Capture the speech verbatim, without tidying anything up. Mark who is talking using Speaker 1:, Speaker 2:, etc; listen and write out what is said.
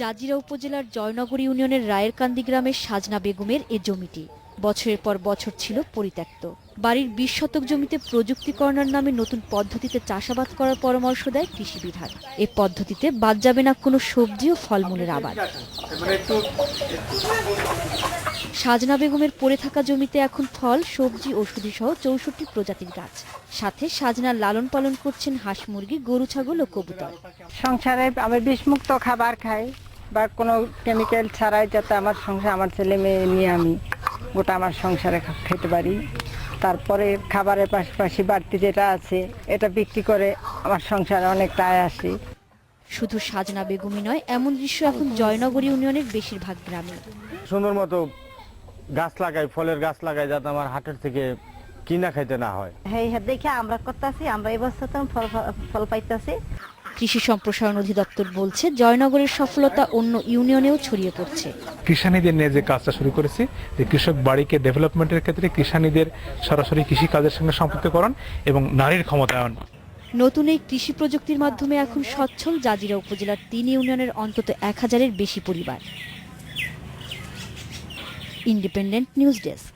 Speaker 1: Jazeera উপজেলার জয়নগর ইউনিয়নের রায়েরকান্দি গ্রামের সাজনা বেগমের এ জমিটি বছরের পর বছর ছিল পরিত্যক্ত। বাড়ির বিশ শতক জমিতে প্রযুক্তিকরণের নামে নতুন পদ্ধতিতে চাষাবাদ করার পরামর্শ দেয় কৃষি বিভাগ। এ পদ্ধতিতে বাদ যাবে না কোনো সবজি ও ফলমূলের আবাদ। সাজনা বেগমের পড়ে থাকা জমিতে এখন ফল, সবজি, ওষুধি সহ চৌষট্টি প্রজাতির গাছ। সাথে সাজনার লালন পালন করছেন হাঁস, মুরগি, গরু, ছাগল ও কবুতর।
Speaker 2: সংসারে আমি বিষমুক্ত খাবার খাই বা কোনো কেমিক্যাল ছাড়াই, যাতে আমার সংসার, আমার ছেলে মেয়ে নিয়ে আমি গোটা আমার সংসারে খেতে পারি। তারপরে খাবারের পাশাপাশি বাড়তি যেটা আছে এটা বিক্রি করে আমার সংসারে অনেকটা আয় আসে।
Speaker 1: শুধু সাজনা বেগমই নয়, এমন দৃশ্য এখন জয়নগর ইউনিয়নের বেশিরভাগ গ্রামে।
Speaker 3: সুন্দর মতো গাছ লাগাই, ফলের গাছ লাগাই, যাতে আমার হাটের থেকে কিনা খাইতে না হয়।
Speaker 4: হ্যাঁ হ্যাঁ দেখে আমরা করতেছি, আমরা এবছর তো ফল ফল পাইতেছি।
Speaker 1: কৃষি সম্প্রসারণ অধিদপ্তর বলছে, জয়নগরের সফলতা অন্য ইউনিয়নেও ছড়িয়ে পড়ছে।
Speaker 5: কৃষানীদের নিয়ে যে কাজটা শুরু করেছি, যে কৃষক বাড়িকে ডেভেলপমেন্টের ক্ষেত্রে কৃষানীদের সরাসরি কৃষি কাজের সঙ্গে সম্পৃক্তকরণ এবং নারীর ক্ষমতায়ন।
Speaker 1: নতুন এই কৃষি প্রযুক্তির মাধ্যমে এখন সচ্ছল জাজিরা উপজেলার তিন ইউনিয়নের অন্তত এক হাজারের বেশি পরিবার। Independent news desk.